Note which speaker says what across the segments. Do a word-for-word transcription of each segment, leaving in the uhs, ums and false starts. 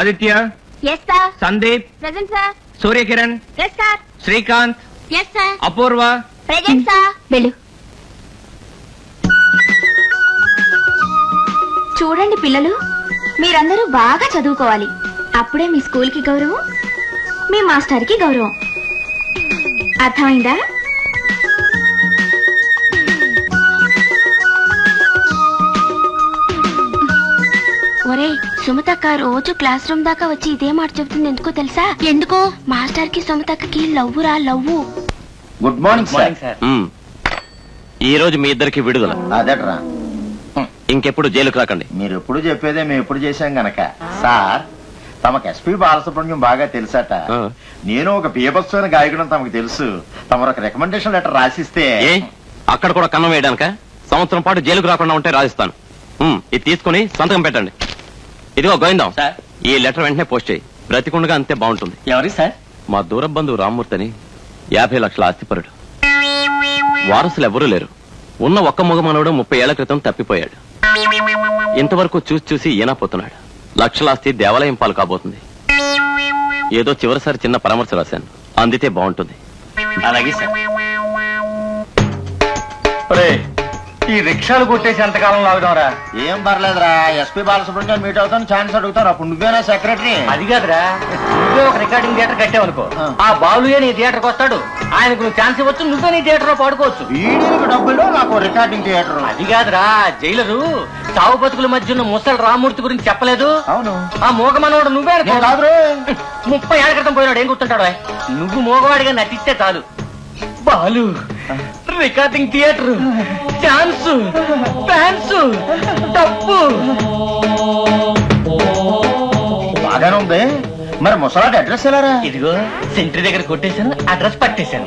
Speaker 1: Aditya.
Speaker 2: Yes sir.
Speaker 1: Sandeep.
Speaker 2: Present sir.
Speaker 1: Suryakiran.
Speaker 2: Yes sir.
Speaker 1: Srikanth.
Speaker 2: Yes sir.
Speaker 1: Apoorva.
Speaker 2: Present sir. వెళ్ళు. చూడండి పిల్లలు, మీరందరూ బాగా చదువుకోవాలి. అప్పుడే మీ స్కూల్ కి గౌరవం, మీ మాస్టర్ కి గౌరవం. అర్థమైందా? ఒరే సుమతక్క రోజు క్లాస్ రూమ్ దాకా వచ్చి ఇదే మాట చెబుతుంది. ఎందుకో తెలుసా? ఎందుకో? మాస్టర్ కి సుమతక్కకి లవ్వురా లవ్వు.
Speaker 3: Good morning sir.
Speaker 4: ఈ రోజు మీ ఇద్దరికి విడుదల.
Speaker 3: అదేట్రా,
Speaker 4: ఇంకెప్పుడు జైలుకు రాకండి.
Speaker 3: మీరు ఎప్పుడు చెప్పేదే మేము ఎప్పుడు చేశాం గనక. సార్, తమకు ఎస్పీ బాలసుబ్రహ్మణ్యం బాగా తెలుసట. నేను ఒక బీభత్సమైన గాయకుడు తమకు తెలుసు. తమరు ఒక రికమెండేషన్ లెటర్ రాసిస్తే.
Speaker 4: ఏ అక్కడ కూడా కన్నం వేయడానిక? సంవత్సరం పాటు జైలుకు రాకుండా ఉంటే రాసిస్తాను. ఇది తీసుకుని సంతకం పెట్టండి. ఇదిగో గోవిందం, ఈ లెటర్ వెంటనే పోస్ట్ చేయి. బ్రతికుండగా అంతే బాగుంటుంది.
Speaker 5: ఎవరి సార్?
Speaker 4: మా దూర బంధువు రామ్మూర్తి అని, యాభై లక్షల ఆస్తిపరుడు. వారసులు ఎవరూ లేరు. ఉన్న ఒక్క మగ మనవడు ముప్పై ఏళ్ల క్రితం తప్పిపోయాడు. ఇంతవరకు చూసి చూసి ఈనాపోతున్నాడు. లక్షలాస్తి దేవాలయం పాలు కాబోతుంది. ఏదో చివరిసారి చిన్న పరామర్శ రాశాను, అందితే బాగుంటుంది.
Speaker 5: అలాగే సార్. ఈ రిక్షాలు కొట్టేసి ఎంతకాలం లాగుదాంరా?
Speaker 3: ఏం పర్లేదురా, ఎస్పీ బాలసుబ్రహ్మణ్యం మీట్ అవుతాను, ఛాన్స్ అడుగుతాను. అప్పుడు నువ్వేనా సెక్రటరీ?
Speaker 5: అది కాదురా, నువ్వే ఒక రికార్డింగ్ థియేటర్ కట్టావనుకో, ఆ బాలుయే నీ థియేటర్కి వస్తాడు. ఆయనకు నువ్వు ఛాన్స్ ఇవ్వచ్చు, నువ్వే నీ థియేటర్ లో పాడుకోవచ్చు.
Speaker 3: వీడికి డబ్బులు, నాకు రికార్డింగ్ థియేటర్.
Speaker 5: అది కాదురా, జైలరు సావు బతుకుల మధ్య ఉన్న ముసలి రామూర్తి గురించి చెప్పలేదు?
Speaker 3: అవును.
Speaker 5: ఆ మూగ మనోడు నువ్వే
Speaker 3: కాదు.
Speaker 5: ముప్పై ఏళ్ళ క్రితం పోయినాడు, ఏం గుర్తుంటాడు? నువ్వు మూగవాడిగా నటిస్తే చాలు. Balu, recording theatre, chance, fans, డబ్బు.
Speaker 3: బాగానే ఉంది. మరి ముసలాడి అడ్రస్ ఎలారా?
Speaker 5: ఇదిగో సెంట్రీ దగ్గర కొట్టేశాను, అడ్రస్ పట్టేశాను.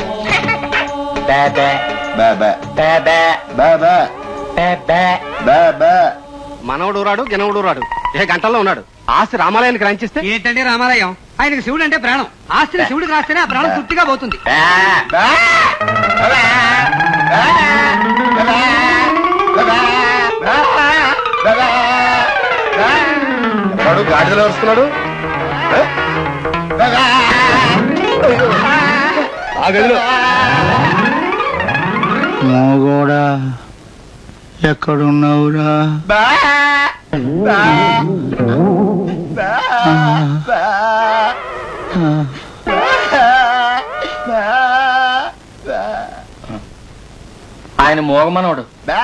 Speaker 1: మనవడు రాడు గినవడు రాడు, ఏ గంటల్లో ఉన్నాడు. ఆస్తి రామాలయానికి రాంచిస్తే
Speaker 6: ఏంటంటే రామాలయం? ఆయనకి శివుడు అంటే ప్రాణం. ఆస్తిని శివుడికి రాస్తేనే ఆ ప్రాణం తృప్తిగా పోతుంది.
Speaker 1: గాడిదలో వస్తున్నాడు. ఆ గదిలో
Speaker 7: మోగోడా ఎక్కడున్నావురా?
Speaker 5: ఆయన మోగమనోడు.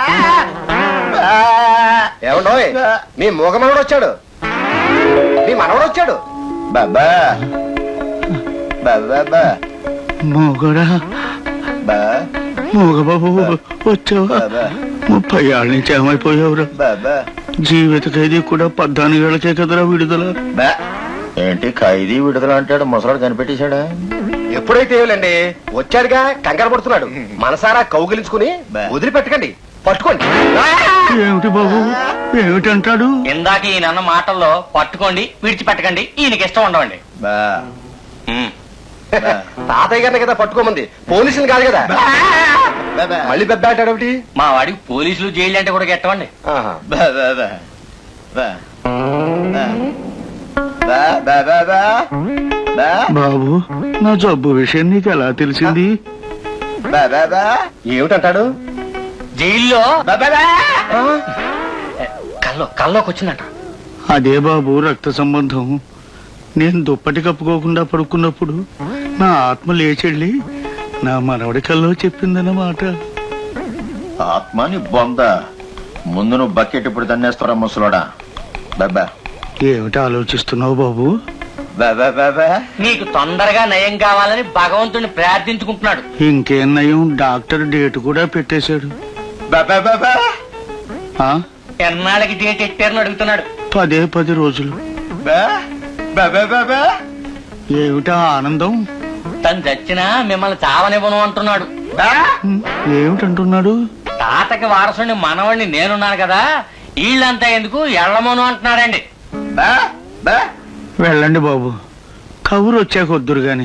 Speaker 1: ఏమండో, మీ మూగ మనవడు వచ్చాడు, మీ మనవడు వచ్చాడు.
Speaker 3: బాబా బాబా
Speaker 7: మోగోడా, మోగబాబు వచ్చావా? ముప్పై ఏళ్ళ నుంచి ఏమైపోయావురా?
Speaker 3: బాబా
Speaker 7: జీవిత ఖైదీ కూడా పద్నాలుగేళ్లకే కదరా విడుదల.
Speaker 3: ఏంటి ఖైదీ విడుదల అంటాడు? ముసలాడు కనిపెట్టేశాడా?
Speaker 1: ఎప్పుడైతే ఏమిలండి, వచ్చాడుగా, కంగారు పడుతున్నాడు. మనసారా కౌగిలించుకుని వదిలిపెట్టకండి, పట్టుకోండి.
Speaker 7: ఏమిటి బాబు, ఏమిటంటాడు?
Speaker 5: ఇందాక ఈయన మాటల్లో పట్టుకోండి, విడిచిపెట్టకండి, ఈయనకి ఇష్టం ఉండవండి.
Speaker 1: తాతయ్య గారిని కదా పట్టుకోమంది, పోలీసులు కాదు కదా. మళ్ళీ పెద్ద అంటాడు ఒకటి.
Speaker 5: మా వాడికి పోలీసులు జైలు అంటే కూడా గెట్టవండి.
Speaker 7: బాబు, నా జబ్బు విషయం నీకు ఎలా తెలిసింది?
Speaker 1: ఏమిటంటాడు?
Speaker 5: జైల్లో కల్లో కల్లోకి వచ్చిందంట.
Speaker 7: అదే బాబు, రక్త సంబంధం. నేను దుప్పటి కప్పుకోకుండా పడుకున్నప్పుడు నా ఆత్మ లేచెళ్ళి నా మనవడి కల్లో చెప్పిందన్నమాట.
Speaker 3: ఆత్మని బొంద. ముందు నువ్వు బకెట్ ఇప్పుడు తన్నేస్తారా ముసలోడా? బాబా
Speaker 7: ఏమిటి ఆలోచిస్తున్నావు బాబు?
Speaker 3: బాబా బాబా
Speaker 5: నీకు తొందరగా నయం కావాలని భగవంతుడిని ప్రార్థించుకుంటున్నాడు.
Speaker 7: ఇంకేం నయం, డాక్టర్ డేట్ కూడా పెట్టేశాడు.
Speaker 3: బాబా బాబా
Speaker 5: ఎన్నాళ్ళకి డేట్ ఎట్టారని అడుగుతున్నాడు.
Speaker 7: పదే పది రోజులు.
Speaker 3: బాబా బాబా
Speaker 7: ఏమిటా ఆనందం?
Speaker 5: తను చచ్చినా మిమ్మల్ని చావనివ్వను అంటున్నాడు.
Speaker 7: ఏమిటంటున్నాడు?
Speaker 5: తాతకి వారసుని మనవడిని నేనున్నాను కదా, వీళ్ళంతా ఎందుకు ఎళ్ళమోను అంటున్నాడండి.
Speaker 7: వెళ్ళండి బాబు, కబురు వచ్చాక వద్దురు గాని.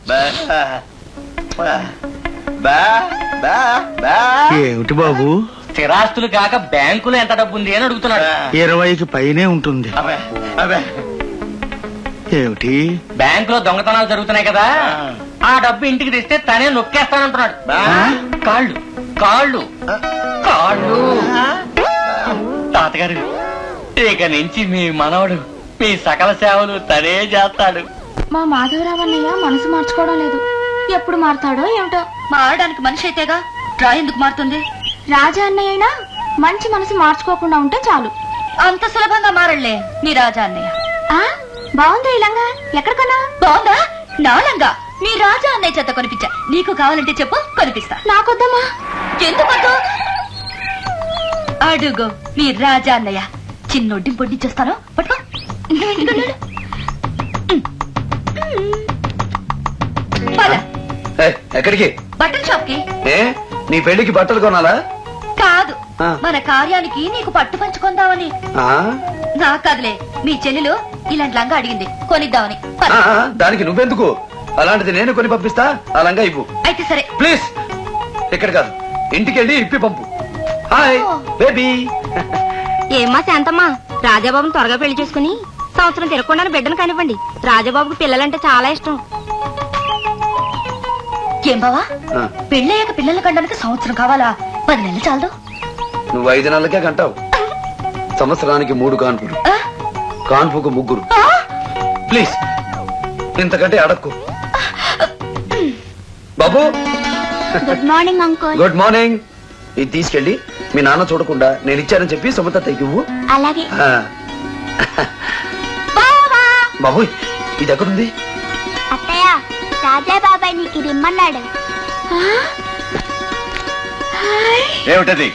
Speaker 3: ఏమిటి బాబు,
Speaker 5: స్థిరాస్తులు కాక బ్యాంకులో ఎంత డబ్బు ఉంది అని అడుగుతున్నాడు.
Speaker 7: ఇరవైకి పైనే ఉంటుంది.
Speaker 3: అబ్బే అబ్బే
Speaker 7: ఏమిటి?
Speaker 5: బ్యాంకులో దొంగతనాలు జరుగుతున్నాయి కదా, ఆ డబ్బు ఇంటికి తెస్తే తనే నొక్కేస్తానంటున్నాడు. కాళ్ళు కాళ్ళు కాళ్ళు. తాతగారు, ఇక నుంచి మీ మనవడు మీ సకల సేవలు తనే చేస్తాడు.
Speaker 2: మా మాధవరావు అన్నయ్య మనసు మార్చుకోవడం లేదు. ఎప్పుడు మారుతాడో ఏమిటో.
Speaker 8: మారడానికి మనిషి అయితేగా డ్రా ఎందుకు మారుతుంది?
Speaker 2: రాజా అన్నయ్య అయినా మంచి మనసు మార్చుకోకుండా ఉంటే చాలు.
Speaker 8: అంత సులభంగా మారళ్లే నీ రాజా అన్నయ్య.
Speaker 2: ఆ బాగుంది ఈ లంగా. ఎక్కడ కొన్నా?
Speaker 8: బాగుందా? నాలంగా మీ రాజా అన్నయ్య చేత కొనిపించా. నీకు కావాలంటే చెప్పు, కొనిపిస్తా.
Speaker 2: నాకొద్దమ్మా.
Speaker 8: ఎందుకు? అడుగు మీ రాజా అన్నయ్య. చిన్నొడ్డి పొడ్డి చేస్తాను, పట్టుకో. పద.
Speaker 1: ఏయ్, ఎక్కడికి?
Speaker 8: బట్టల షాప్ కి.
Speaker 1: ఏ నీ పెళ్లికి బట్టలు కొనాలా?
Speaker 8: కాదు,
Speaker 1: ఆ.
Speaker 8: మన కార్యానికి నీకు పట్టు పంచుకుందామని.
Speaker 1: ఆ?
Speaker 8: నా కదలే, మీ చెల్లెలు ఇలాంటి లంగా అడిగింది, కొనిద్దామని. పద.
Speaker 1: ఆ, దానికి నువ్వెందుకు? అలాంటిది నేను కొని పంపిస్తా. ఆ లంగా ఇవ్వు
Speaker 8: అయితే సరే.
Speaker 1: ప్లీజ్. ఇక్కడ కాదు, ఇంటికి వెళ్ళి ఇప్పి పంపు. Hi baby.
Speaker 2: ఏమ్మా శాంతమ్మా, రాజాబాబుని త్వరగా పెళ్లి చేసుకుని సంవత్సరం తిరగకుండా బిడ్డను కానివ్వండి. రాజాబాబుకి పిల్లలంటే చాలా ఇష్టం.
Speaker 8: ఏం బావా,
Speaker 1: ఆ,
Speaker 8: పెళ్ళయ్యాక పిల్లల కండానికి సంవత్సరం కావాలా? పది నెలలు చాలదు.
Speaker 1: నువ్వు ఐదు నెలలకే కంటావు. సంవత్సరానికి మూడు కాన్పులు,
Speaker 8: ఆ?
Speaker 1: కాన్పుకు ముగ్గురు.
Speaker 8: ఆ?
Speaker 1: ప్లీజ్ ఇంతకంటే అడక్కు. బాబు
Speaker 2: good morning uncle.
Speaker 1: Good morning. ఇది తీసుకెళ్ళి మీ నాన్న చూడకుండా నేను ఇచ్చానని చెప్పి సుమత తెగివ్వు.
Speaker 2: అలాగే.
Speaker 1: ఆ. బాబు ఇది ఎక్కడుంది?
Speaker 2: అత్తయ్య, రాజా బాబాయ్ నీకు ఇది ఇమ్మన్నాడు.
Speaker 3: ఏమిటది?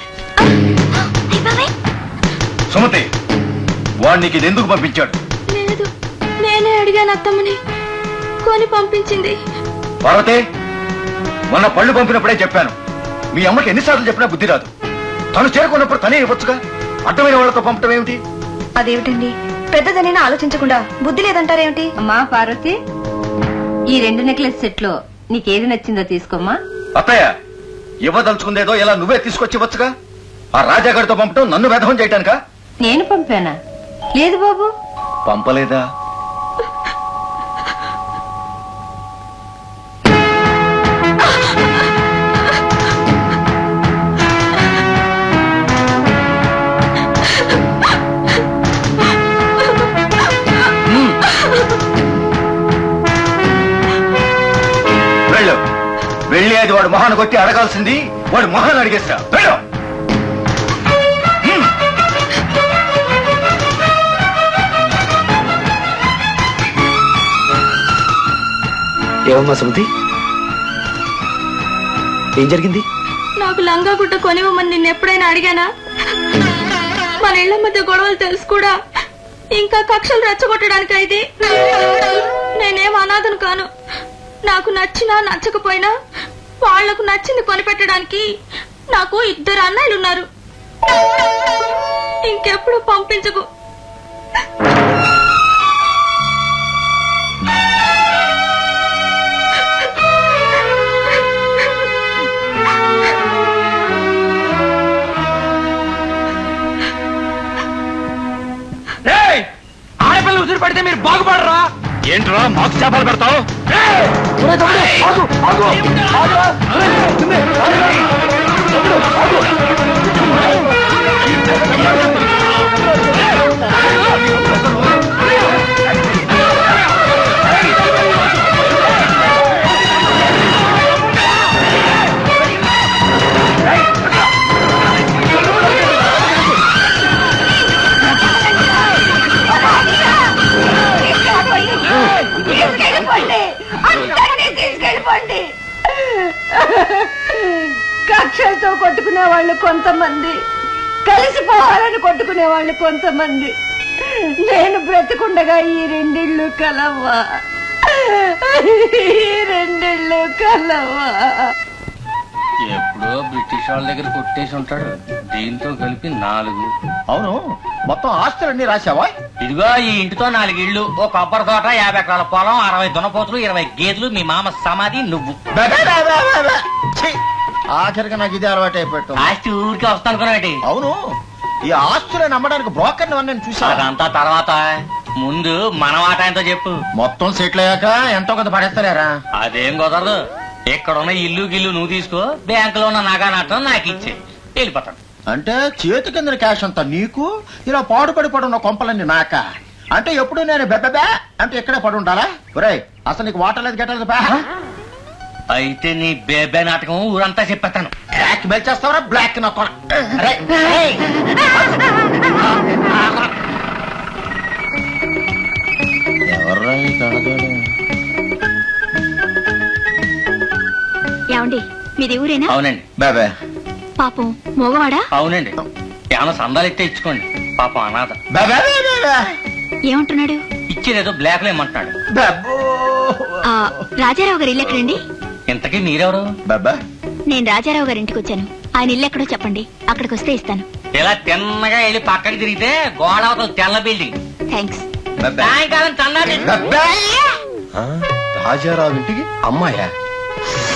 Speaker 3: సుమతి, వాడు నీకు ఇది ఎందుకు పంపించాడు?
Speaker 2: లేదు, నేనే అడిగాను అత్తమ్మని, కొని పంపించింది.
Speaker 3: పార్వతి, మొన్న పళ్ళు పంపినప్పుడే చెప్పాను, మీ అమ్మకి ఎన్నిసార్లు చెప్పినా బుద్ధి రాదు. తను చేరుకున్నప్పుడు తనే ఇవ్వచ్చుగా, అడ్డమైన వాళ్ళతో పంపటం ఏమిటి?
Speaker 8: అదేమిటండి, పెద్దదనైనా ఆలోచించకుండా బుద్ధి లేదంటారేమిటి? అమ్మా పార్వతి, ఈ రెండు నెక్లెస్ సెట్ లో నీకేది నచ్చిందో తీసుకోమ్మా.
Speaker 3: అత్తయ్య, ఇవ్వదలుచుకుందేదో ఇలా నువ్వే తీసుకొచ్చి ఇవ్వచ్చుగా. ఆ రాజాగారితో పంపటం నన్ను వ్యధం చేయటానికా?
Speaker 8: నేను పంపానా? లేదు బాబు.
Speaker 3: పంపలేదా? వెళ్ళు, వెళ్ళి అది వాడు మొహాన్ని కొట్టి అడగాల్సింది వాడు మొహాన్ని అడిగేసిరా. వెళ్ళు. హ్మ్.
Speaker 1: ఏమమ్మా సుమతి, ఏం జరిగింది?
Speaker 2: నాకు లంగా గుడ్డ కొనివ్వమని నిన్ను ఎప్పుడైనా అడిగానా? మన ఇళ్ల మధ్య గొడవలు తెలుసు కూడా ఇంకా కక్షలు రెచ్చగొట్టడానికి ఇది. నేనేం అనాథను కాను. నాకు నచ్చినా నచ్చకపోయినా వాళ్లకు నచ్చింది కొనిపెట్టడానికి నాకు ఇద్దరు అన్నయ్యలు ఉన్నారు. ఇంకెప్పుడు పంపించకు.
Speaker 5: ఆడపిల్లలు ఉసిరి పడితే మీరు బాగుపడరా?
Speaker 7: ఏంట్రా మాకు చేపలు పెడతావు?
Speaker 8: కక్షలతో కొట్టుకునే వాళ్ళు కొంతమంది, కలిసిపోవాలని కొట్టుకునే వాళ్ళు కొంతమంది. నేను బ్రతికుండగా ఈ రెండిళ్ళు కలవా, ఈ రెండిళ్ళు కలవా.
Speaker 5: ఎప్పుడో బ్రిటిష్ వాళ్ళ దగ్గర కొట్టేసి ఉంటాడు. దీంతో కలిపి నాలుగు.
Speaker 3: అవును, మొత్తం ఆస్తులన్నీ రాశావా?
Speaker 5: ఇదిగో ఈ ఇంటితో నాలుగు ఇళ్ళు, ఓ కొబ్బరి తోట, యాభై ఎకరాల పొలం, అరవై దున్నపోతులు, ఇరవై గేదెలు, మీ మామ సమాధి, నువ్వు.
Speaker 3: బె, బె, బె, బె, బె, బె. ఛీ, ఆఖరికి నాకు ఇది అలవాటు అయిపోయాడు.
Speaker 5: ఆస్తి ఊరికి వస్తా అనుకున్నాటి.
Speaker 3: అవును, ఈ ఆస్తులను నమ్మడానికి బ్రోకర్ నేను చూసా.
Speaker 5: అదంతా తర్వాత, ముందు మన మాట ఎంతో చెప్పు.
Speaker 3: మొత్తం సెటిల్ అయ్యాక ఎంతో కొంత పడేస్తారా?
Speaker 5: అదేం కుదరదు. ఇక్కడ ఉన్న ఇల్లు గిల్లు నువ్వు తీసుకో, బ్యాంకులో ఉన్న నగా నట్టం నాకు ఇచ్చే వెళ్ళిపోతాను.
Speaker 3: అంటే చేతి కింద క్యాష్ అంతా నీకు, ఇలా పాడుపడి పడున్న కొంపలన్నీ నాక. అంటే ఎప్పుడు నేను బెబ్బెబే అంటే ఇక్కడే పడి ఉండాలా? ఒరేయ్, అసలు నీకు వాటర్ లేదు గెట్టలేదు బా.
Speaker 5: అయితే నీ బేబే నాటకం ఊరంతా చెప్పేస్తాను.
Speaker 3: Black mail చేస్తావరా? బ్లాక్ నా కొన. ఎవర్రా ఈ కడగాడు?
Speaker 2: ఏమండి మీది ఊరేనా?
Speaker 5: అవునండి.
Speaker 3: బేబే
Speaker 2: పాపం మోగవాడా?
Speaker 5: అవునండి. ఏమన్నా సందాలు ఇస్తే ఇచ్చుకోండి. పాపం అనాథ.
Speaker 3: బేబే బేబే
Speaker 2: ఏమంటున్నాడు?
Speaker 5: ఇచ్చేదేదో బ్లాక్ లో ఏమంటున్నాడు.
Speaker 3: బేబో
Speaker 2: ఆ, రాజారావు గారి ఇల్లు ఎక్కడండి?
Speaker 5: ఇంతకీ మీరెవరు?
Speaker 3: బేబే
Speaker 2: నేను రాజారావు గారి ఇంటికి వచ్చాను. ఆయన ఇల్లు ఎక్కడో చెప్పండి, అక్కడికి వస్తే ఇస్తాను.
Speaker 5: ఇలా తిన్నగా వెళ్ళి పక్కకి తిరిగితే గోడ అవతల తెల్ల బిల్డింగ్.
Speaker 2: థ్యాంక్స్.
Speaker 3: బేబే
Speaker 5: సాయంకాలం చందా తెచ్చు.
Speaker 3: బేబే
Speaker 1: రాజారావు ఇంటికి అమ్మాయా?